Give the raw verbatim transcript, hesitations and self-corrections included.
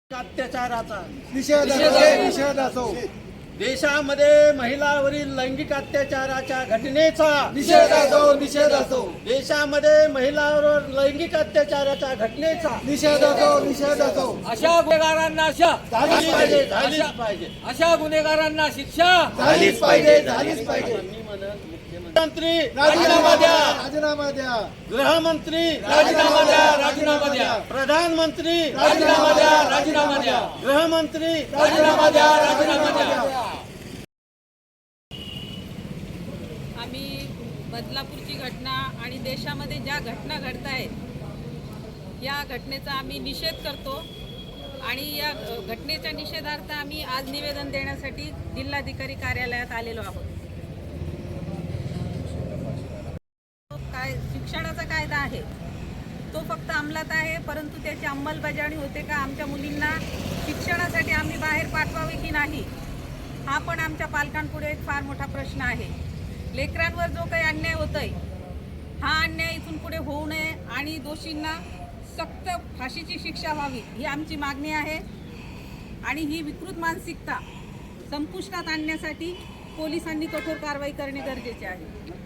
अत्याचाराचा निषेध निषेध असो. देशामध्ये महिलावरील लैंगिक अत्याचाराच्या घटनेचा निषेध असो निषेध असो. देशामध्ये महिलावर लैंगिक अत्याचाराच्या घटनेचा निषेध असो निषेध असो. अशा गुन्हेगारांना शिक्षा झालीच पाहिजे झालीच पाहिजे अशा गुन्हेगारांना शिक्षा झालीच पाहिजे झालीच पाहिजे. मी म्हणत मुख्यमंत्री राजीनामा द्या राजीनामा द्या. गृहमंत्री राजीनामा द्या राजीनामा द्या प्रधानमंत्री राजीनामा द्या राजीनामा द्या गृहमंत्री राजीनामा द्या राजीनामा द्या. आम्ही बदलापूरची घटना आणि देशामध्ये ज्या घटना घडत आहेत या घटनेचा आम्ही निषेध करतो आणि या घटनेच्या निषेधार्थ आम्ही आज निवेदन देण्यासाठी जिल्हाधिकारी कार्यालयात आलेलो आहोत. काय शिक्षणाचा कायदा आहे तो फक्त अंमलात आहे, परंतु त्याची अंमलबजावणी होते का, आमच्या मुलींना शिक्षणासाठी आम्ही बाहेर पाठवावे की नाही, हा पण आमच्या पालकांपुढे एक फार मोठा प्रश्न आहे. लेकरांवर जो काही अन्याय होतोय हा अन्याय इथून पुढे होऊ नये आणि दोषींना सक्त फाशीची शिक्षा व्हावी ही आमची मागणी आहे. आणि ही विकृत मानसिकता संपुष्टात आणण्यासाठी पोलिसांनी कठोर कारवाई करणे गरजेचे आहे.